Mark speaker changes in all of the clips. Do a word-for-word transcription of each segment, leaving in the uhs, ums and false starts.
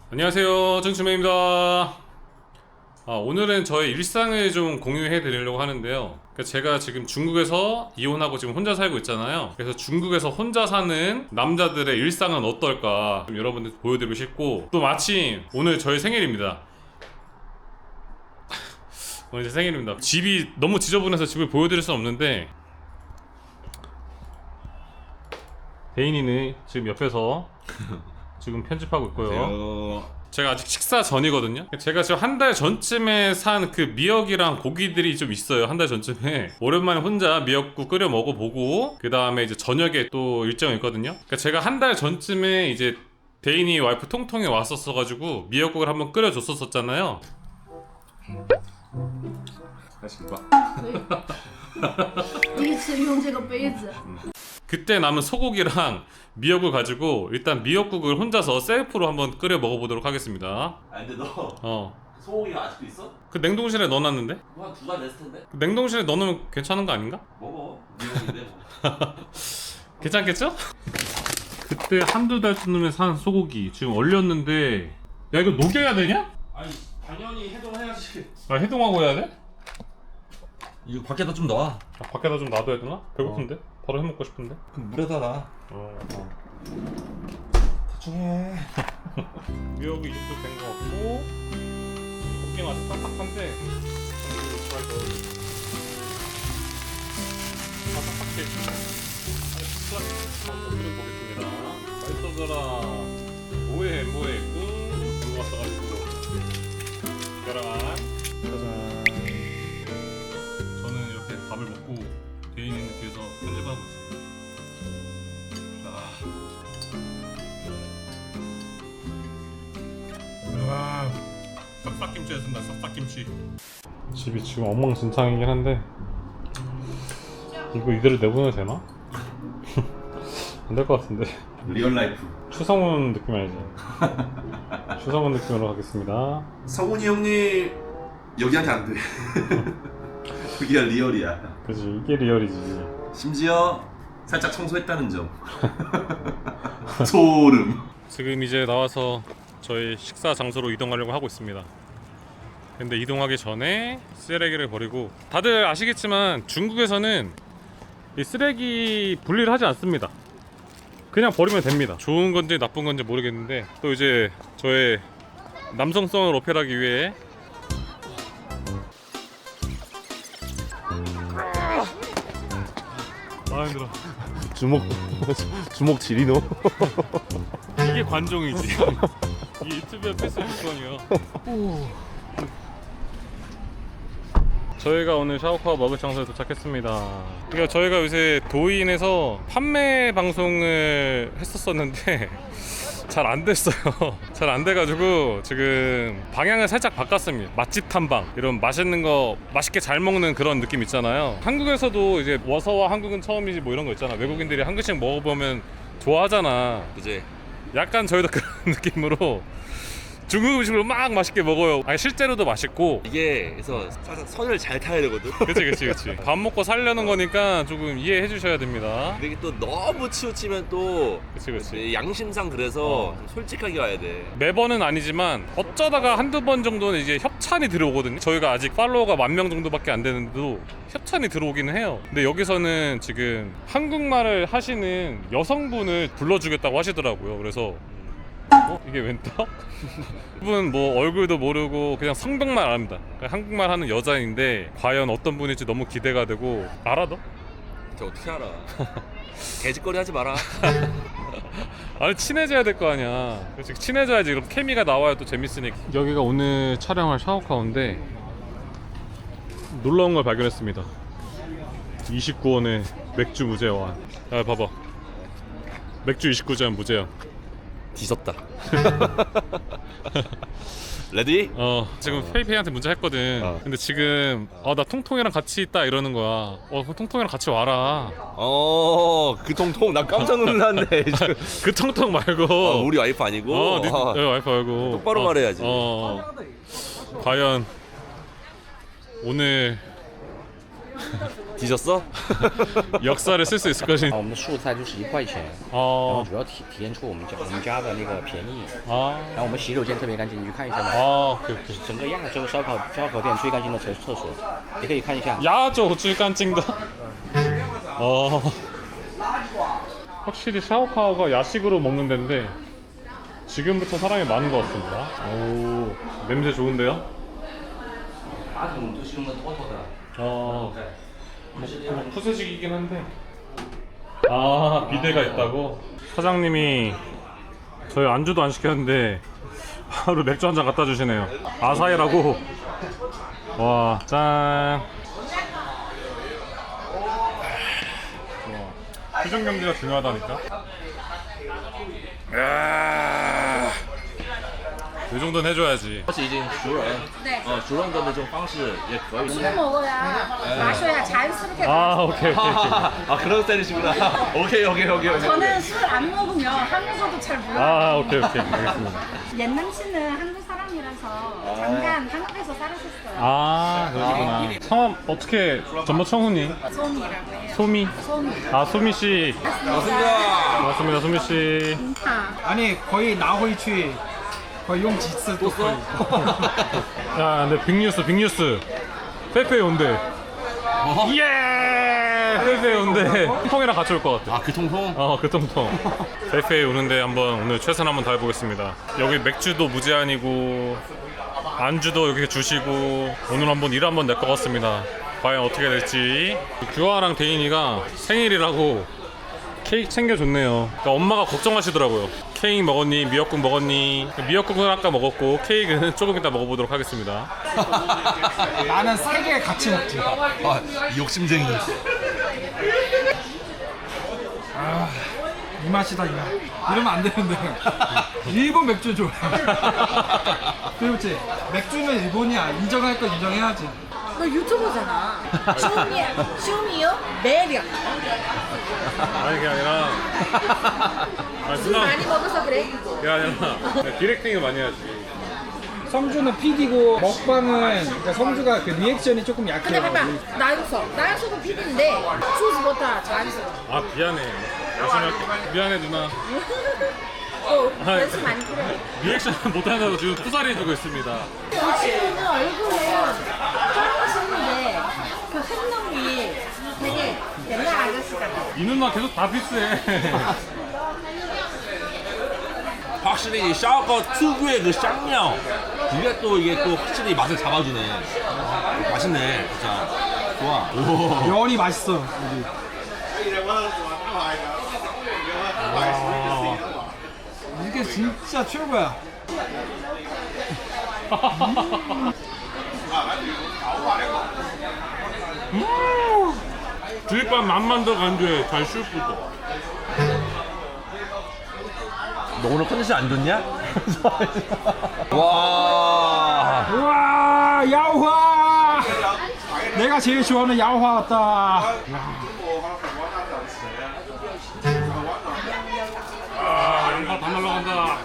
Speaker 1: 안녕하세요, 정춘매입니다. 아, 오늘은 저의 일상을 좀 공유해 드리려고 하는데요. 그러니까 제가 지금 중국에서 이혼하고 지금 혼자 살고 있잖아요. 그래서 중국에서 혼자 사는 남자들의 일상은 어떨까 좀 여러분들 보여드리고 싶고, 또 마침 오늘 저의 생일입니다. 오늘 제 생일입니다. 집이 너무 지저분해서 집을 보여드릴 수는 없는데, 대인이는 지금 옆에서 지금 편집하고 있고요.
Speaker 2: 안녕하세요.
Speaker 1: 제가 아직 식사 전이거든요. 제가 지금 한 달 전쯤에 산 그 미역이랑 고기들이 좀 있어요. 한 달 전쯤에 오랜만에 혼자 미역국 끓여 먹어보고, 그 다음에 이제 저녁에 또 일정이 있거든요. 그러니까 제가 한 달 전쯤에 이제 대인이 와이프 통통이 왔었어가지고 미역국을 한번 끓여줬었잖아요.
Speaker 2: 안녕하십니까.
Speaker 3: 第一次用这个杯子，
Speaker 1: 그때 남은 소고기랑 미역을 가지고 일단 미역국을 혼자서 셀프로 한번 끓여 먹어보도록 하겠습니다.
Speaker 2: 아 근데 너
Speaker 1: 어.
Speaker 2: 소고기가 아직도 있어?
Speaker 1: 그 냉동실에 넣어놨는데?
Speaker 2: 한 두 달 됐을 텐데.
Speaker 1: 그 냉동실에 넣어놓으면 괜찮은 거 아닌가?
Speaker 2: 먹어. 미역인데 뭐.
Speaker 1: 괜찮겠죠? 그때 한두 달쯤에 산 소고기 지금 얼렸는데, 야 이거 녹여야 되냐?
Speaker 2: 아니 당연히 해동해야지.
Speaker 1: 아 해동하고 해야 돼?
Speaker 4: 이거 밖에다 좀 넣어.
Speaker 1: 아, 밖에다 좀 놔둬야 되나? 배고픈데? 바로 해먹고 싶은데?
Speaker 4: 그럼 물에다 놔.
Speaker 1: 어, 어.
Speaker 4: 대충 해.
Speaker 1: 미역이 이 정도 된 거 같고, 고기가 아주 딱딱한데 이거 잘 넣어야 돼. 딱딱하게 아주 진짜 한번 끓여보겠습니다. 맛있어져라. 뭐해 뭐해 꿍 들고 왔어가지고 계란. 짜잔. 저는 이렇게 밥을 먹고 대인이는 뒤에서 편집하고 있습니다. 아. 와, 싹싹김치였습니다. 싹싹김치. 집이 지금 엉망진창이긴 한데 이거 이대로 내보내도 되나? 안 될 것 같은데.
Speaker 2: 리얼 라이프.
Speaker 1: 추성훈 느낌 아니지? 추성훈 느낌으로 하겠습니다.
Speaker 2: 성훈이 형님 여기한테 안 돼. 여기가 리얼이야.
Speaker 1: 그지, 이게 리얼이지.
Speaker 2: 심지어 살짝 청소했다는 점. 소름.
Speaker 1: 지금 이제 나와서 저희 식사 장소로 이동하려고 하고 있습니다. 근데 이동하기 전에 쓰레기를 버리고, 다들 아시겠지만 중국에서는 이 쓰레기 분리를 하지 않습니다. 그냥 버리면 됩니다. 좋은 건지 나쁜 건지 모르겠는데, 또 이제 저의 남성성을 어필하기 위해 아 힘들어.
Speaker 4: 주먹 주먹 지리노.
Speaker 1: 이게 관종이지. 이 유튜브에 필수 조건이야. 저희가 오늘 샤오카와 먹을 장소에 도착했습니다. 그러니까 저희가 요새 도인에서 판매 방송을 했었었는데 잘 안 됐어요. 잘 안 돼가지고 지금 방향을 살짝 바꿨습니다. 맛집 탐방, 이런 맛있는 거 맛있게 잘 먹는 그런 느낌 있잖아요. 한국에서도 이제 와서와 한국은 처음이지 뭐 이런 거 있잖아. 외국인들이 한 그릇씩 먹어보면 좋아하잖아.
Speaker 2: 그지?
Speaker 1: 약간 저희도 그런 느낌으로 중국 음식을 막 맛있게 먹어요. 아니 실제로도 맛있고.
Speaker 5: 이게 그래서 살짝 선을 잘 타야 되거든.
Speaker 1: 그치 그치 그치. 밥 먹고 살려는 거니까 조금 이해해 주셔야 됩니다.
Speaker 5: 근데 이게 또 너무 치우치면 또
Speaker 1: 그치 그치.
Speaker 5: 양심상 그래서
Speaker 1: 어.
Speaker 5: 좀 솔직하게 와야 돼.
Speaker 1: 매번은 아니지만 어쩌다가 한두 번 정도는 이제 협찬이 들어오거든요. 저희가 아직 팔로워가 만 명 정도밖에 안 되는데도 협찬이 들어오기는 해요. 근데 여기서는 지금 한국말을 하시는 여성분을 불러주겠다고 하시더라고요. 그래서 어? 이게 웬 떡? 그분 뭐 얼굴도 모르고 그냥 성병만 압니다. 그러니까 한국말 하는 여자인데 과연 어떤 분일지 너무 기대가 되고. 알아 너?
Speaker 5: 저 어떻게 알아? 개짓거리 하지 마라.
Speaker 1: 아니 친해져야 될 거 아니야. 그렇지, 친해져야지. 그럼 케미가 나와야 또 재밌으니까. 여기가 오늘 촬영할 샤오카오인데 놀라운 걸 발견했습니다. 이십구 원에 맥주 무제한. 야 봐봐, 맥주 이십구 잔 무제한.
Speaker 5: 뒤졌다. 레디?
Speaker 1: 어 지금 페이페이한테 문자 했거든.
Speaker 5: 어.
Speaker 1: 근데 지금 아 나 통통이랑 같이 있다 이러는 거야. 어 그럼 통통이랑 같이 와라.
Speaker 5: 어, 그 통통 나 깜짝 놀랐네.
Speaker 1: 그 통통 말고.
Speaker 5: 어, 우리 와이프 아니고.
Speaker 1: 어, 네,
Speaker 5: 아,
Speaker 1: 네 와이프 말고.
Speaker 5: 똑바로
Speaker 1: 어,
Speaker 5: 말해야지.
Speaker 1: 어, 과연 오늘
Speaker 5: 뒤졌어?
Speaker 1: 역사를 쓸 수 있을 것인.
Speaker 6: 我们的素菜就是一块钱，然后
Speaker 1: 어,
Speaker 6: 主要体体现出我们家我们家的那个便宜。
Speaker 1: 아,
Speaker 6: 然后我们洗手间特别干净，你去看一下吧。
Speaker 1: 아, 오케이, 오케이.
Speaker 6: 整个亚洲烧烤烧烤店最干净的厕厕所，你可以看一下。
Speaker 1: 야조 찔깐찡다. 어. 확실히 샤오카오가 야식으로 먹는 데인데 지금부터 사람이 많은 것 같습니다. 오, 냄새 좋은데요?
Speaker 6: 马桶都是用的妥妥的。
Speaker 1: 어, 뭐 푸세식이긴 한데. 아, 비데가 있다고? 사장님이 저희 안주도 안 시켰는데 바로 맥주 한 잔 갖다 주시네요. 아사히라고. 와, 짠. 표정 경제가 중요하다니까. 야, 이 정도는 해줘야지.
Speaker 5: 而且已经熟人，
Speaker 3: 对
Speaker 5: 呃，熟人的那种方式也可以。
Speaker 3: 술 먹어야 마셔야 자연스럽게.
Speaker 1: 아, 오케이, 오케이, 오케이.
Speaker 5: 아 그런 스타일이시구나. 오케이 오케이 오케이 오케이.
Speaker 3: 저는 술 안 먹으면 한국어도 잘 몰라요.
Speaker 1: 아, 오케이, 오케이. 알겠습니다.
Speaker 3: 옛남 씨는 한국 사람이라서 잠깐 한국에서 살았었어요.
Speaker 1: 아, 그러시구나. 성함 어떻게 전모 청훈이?
Speaker 3: 소미라고 해요.
Speaker 1: 소미.
Speaker 3: 소미.
Speaker 1: 아, 소미 씨. 반갑습니다, 소미 씨.
Speaker 3: 아,
Speaker 7: 아니 거의 나홀추 거의 용 지스 또 거의.
Speaker 1: 야, 근데 빅뉴스, 빅뉴스. 페페 온대. 예! 페페 온대. 통이랑 같이 올 것 같아.
Speaker 5: 아 그 통통?
Speaker 1: 어, 그 통통. 페페 오는데 한번 오늘 최선 한번 다해보겠습니다. 여기 맥주도 무제한이고 안주도 여기 주시고 오늘 한번 일 한번 낼 것 같습니다. 과연 어떻게 될지. 규아랑 대인이가 생일이라고 케이크 챙겨줬네요. 그러니까 엄마가 걱정하시더라고요. 케이크 먹었니? 미역국 먹었니? 미역국은 아까 먹었고 케이크는 조금 이따 먹어보도록 하겠습니다.
Speaker 7: 나는 세 개 같이 먹지.
Speaker 5: 아 욕심쟁이.
Speaker 7: 이 맛이다 이 맛. 이러면 안 되는데. 일본 맥주 좋아. 그렇지. 맥주는 일본이야. 인정할 건 인정해야지.
Speaker 3: 너 유튜버잖아. 쇼미, 쇼미요? 매력.
Speaker 1: 아니 그게 아니라 아니
Speaker 3: 술 많이 먹어서 그래.
Speaker 1: 그게 아니라 그냥 디렉팅을 많이 해야지.
Speaker 7: 성주는 피디고 먹방은 그러니까 성주가 그 리액션이 조금
Speaker 3: 근데
Speaker 7: 약해요.
Speaker 3: 봐봐. 나영석. 나영석은 피디인데 수즈보다 자연스러워.
Speaker 1: 아 미안해. 열심히 할게. 미안해 누나.
Speaker 3: 어,
Speaker 1: 아이.
Speaker 3: 연습 많이 필요해.
Speaker 1: 리액션 못한다고 지금 투사리해주고 있습니다.
Speaker 3: 이 친구는 얼굴은 젊으신데 그 행동이 되게 옛날 아저씨 같아.
Speaker 1: 이 누나 계속 다 비슷해.
Speaker 5: 확실히 이 샤오거 특유의 그 쌍냥 이게 또 이게 또 확실히 맛을 잡아주네. 아, 맛있네 진짜. 좋아. 오.
Speaker 7: 면이 맛있어. 여기. 이게 진짜 최고야.
Speaker 1: 주입밥 맛만 더 간주해. 잘 슈프도.
Speaker 5: 너 오늘 컨디션 안 좋냐? 와.
Speaker 7: 우와 야우화. 내가 제일 좋아하는 야우화 같다.
Speaker 1: 아, 양파 다 날라간다.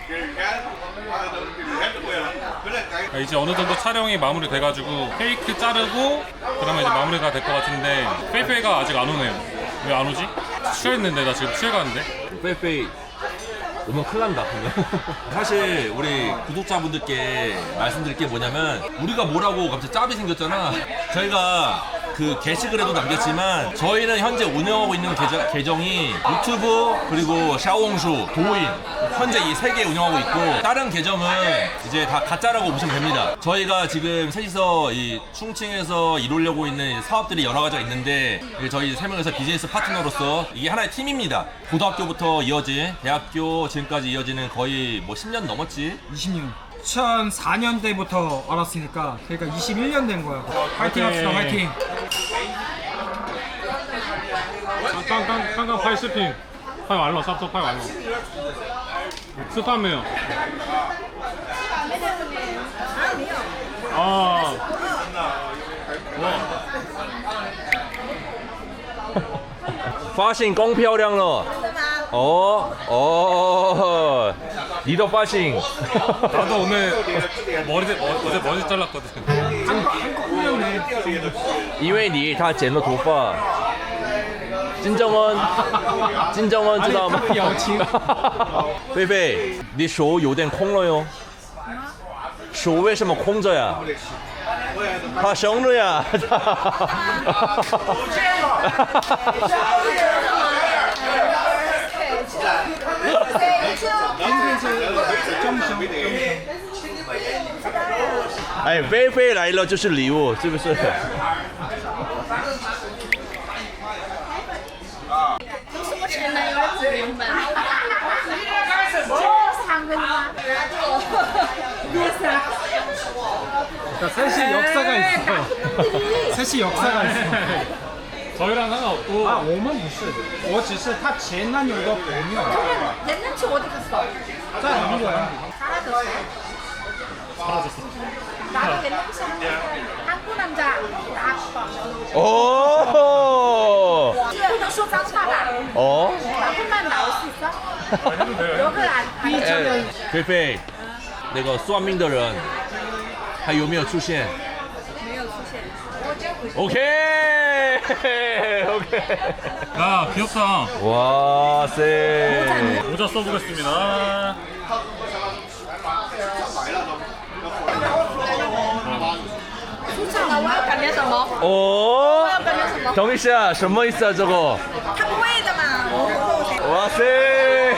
Speaker 1: 아, 이제 어느 정도 촬영이 마무리돼가지고 케이크 자르고 그러면 이제 마무리가 될 것 같은데 페이페이가 아직 안 오네요. 왜 안 오지? 취했는데 나 지금 취해가는데.
Speaker 5: 빼빼 오면 큰일 난다. 사실 우리 구독자분들께 말씀드릴 게 뭐냐면 우리가 뭐라고 갑자기 짭이 생겼잖아. 저희가 그 게시글에도 남겼지만 저희는 현재 운영하고 있는 계정, 계정이 유튜브 그리고 샤오홍슈, 도인 현재 이 세 개 운영하고 있고 다른 계정은 이제 다 가짜라고 보시면 됩니다. 저희가 지금 셋이서 이 충칭에서 이루려고 있는 사업들이 여러 가지가 있는데 저희 세 명에서 비즈니스 파트너로서 이게 하나의 팀입니다. 고등학교부터 이어진 대학교 지금까지 이어지는 거의 뭐 십 년 넘었지.
Speaker 7: 이십 년. 이천사 년대부터 알았으니까 그러니까 이십일 년 된 거야. 화이팅 합시다 화이팅.
Speaker 1: 깡깡 깡깡 파이 스핑. 파이 완료. 쌉쌉 파이 완료. 스파메요. 아. 와.
Speaker 5: 发现更漂亮了。哦哦， 리더 파싱.
Speaker 1: 나도 오늘 머리 어, 어제 머리 잘랐거든.
Speaker 5: 因为你他剪了头发。金正恩，金正恩知道吗？
Speaker 7: 表情。
Speaker 5: 菲菲，你手有点空了哟。手为什么空着呀？他生日呀！哎，菲菲来了就是礼物，是不是？
Speaker 3: 前男友的指令本。상근아.
Speaker 7: 셋이 역사가 있어. 셋이 역사가 있어.
Speaker 1: 저희랑 상관없고.
Speaker 7: 아, 我们不是，我只是他前男友的朋友，
Speaker 3: 옛날치 어디 갔어?
Speaker 7: 在韩国呀。
Speaker 3: 사라졌어.
Speaker 1: 사라졌어.
Speaker 3: 나도 옛날치 한국 남자.
Speaker 5: 오.
Speaker 3: 不能说脏话吧?
Speaker 5: 어?
Speaker 3: 나쁜말 나올 수 있어? 욕을 안 안.
Speaker 5: 菲菲，那个算命的人还有没有出现？
Speaker 3: 没有出现。
Speaker 5: OK OK。
Speaker 1: 야 귀엽다.
Speaker 5: 와 세.
Speaker 1: 모자 써보겠습니다.
Speaker 3: 수창아, 我要感觉什么？
Speaker 5: 어?
Speaker 3: 我要感觉什么？
Speaker 5: 정희 씨야, 什么意思啊这个？
Speaker 3: 他不会的嘛，我我
Speaker 5: 와 세.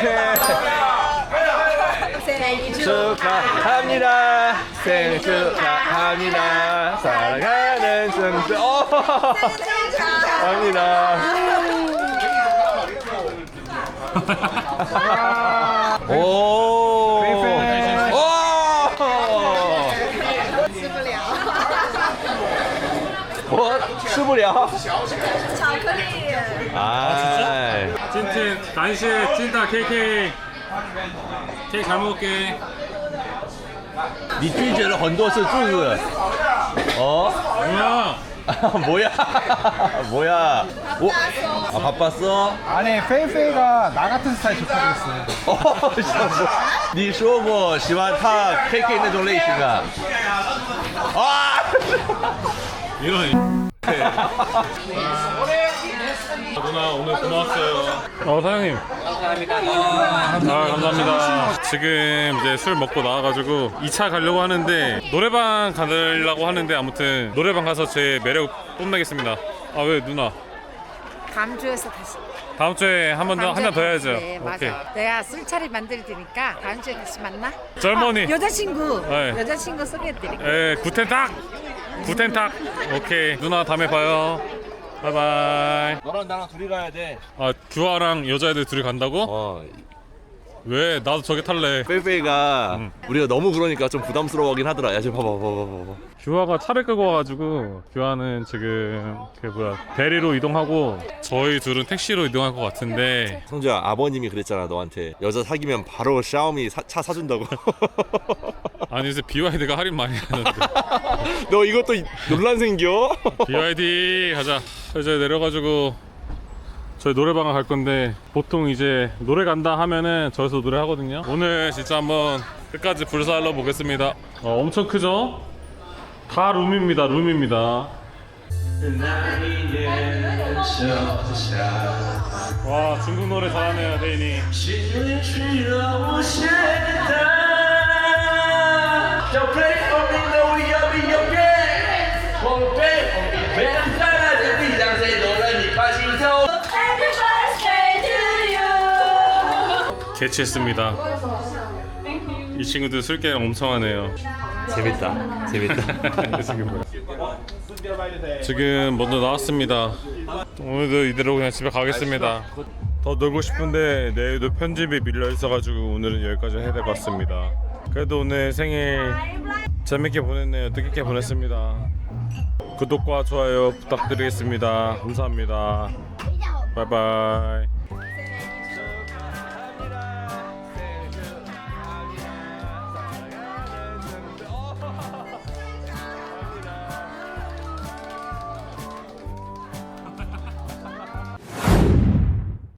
Speaker 3: 我 생일
Speaker 5: 축하합니다. 생일 축하합니다. 사랑하는 승주. 어. 합니다. 오. 오.
Speaker 3: 吃不了。
Speaker 5: 我吃不了。
Speaker 3: 巧克力。
Speaker 5: 아,
Speaker 1: 찐찐 간식 찐다 케이크. 케이크 잘 먹을게.
Speaker 5: 你拒绝了很多次，是不是？哦，
Speaker 1: 뭐야?
Speaker 5: 뭐야? 뭐야? 오, 아 바빴어?
Speaker 7: 아니, 페이페이가 나 같은 스타일 좋다고 했어요.
Speaker 5: 어, 你说过喜欢他 케이케이 那种类型啊？啊！
Speaker 1: 이런. 누나 오늘 고마웠어요. 어 사장님. 아 감사합니다. 지금 이제 술 먹고 나와가지고 이 차 가려고 하는데 노래방 가려고 하는데 아무튼 노래방 가서 제 매력 뽐내겠습니다. 아 왜 누나?
Speaker 8: 다음 주에서 다시.
Speaker 1: 다음 주에 한 번 더 한 잔 더 해야죠.
Speaker 8: 네, 맞아.
Speaker 1: 오케이.
Speaker 8: 내가 술차리 만들 테니까 다음 주에 다시 만나.
Speaker 1: 젊은이.
Speaker 8: 아, 여자친구.
Speaker 1: 네.
Speaker 8: 여자친구 소개해드릴게.
Speaker 1: 에 구텐탁. 구텐탁. 오케이 누나 다음에 봐요. 바이바이.
Speaker 5: 너랑 나랑 둘이 가야 돼.
Speaker 1: 아 규아랑 여자애들 둘이 간다고?
Speaker 5: 어,
Speaker 1: 왜 나도 저게 탈래.
Speaker 5: 페이페이가
Speaker 1: 응.
Speaker 5: 우리가 너무 그러니까 좀 부담스러워하긴 하더라. 야, 지금 봐봐, 봐봐, 봐봐.
Speaker 1: 규아가 차를 끌고 와가지고 규아는 지금 그 뭐야 대리로 이동하고 저희 둘은 택시로 이동할 것 같은데.
Speaker 5: 성주야, 아버님이 그랬잖아 너한테. 여자 사귀면 바로 샤오미 사, 차 사준다고.
Speaker 1: 아니 요새 비와이디가 할인 많이 하는데.
Speaker 5: 너 이것도 논란 생겨?
Speaker 1: 비와이디 가자. 이제 내려가지고 저희 노래방을 갈 건데 보통 이제 노래 간다 하면은 저기서 노래 하거든요. 오늘 진짜 한번 끝까지 불살러 보겠습니다. 어, 엄청 크죠? 다 룸입니다. 룸입니다. 와 중국 노래 잘하네요 대인이. 개취했습니다. 이 친구들 술게임 엄청 하네요.
Speaker 5: 재밌다, 재밌다.
Speaker 1: 지금 뭐야? 지금 먼저 나왔습니다. 오늘도 이대로 그냥 집에 가겠습니다. 더 놀고 싶은데 내일도 편집이 밀려 있어가지고 오늘은 여기까지 해야 될 것 같습니다. 그래도 오늘 생일 재밌게 보냈네요. 뜻깊게 보냈습니다. 구독과 좋아요 부탁드리겠습니다. 감사합니다. 바이바이.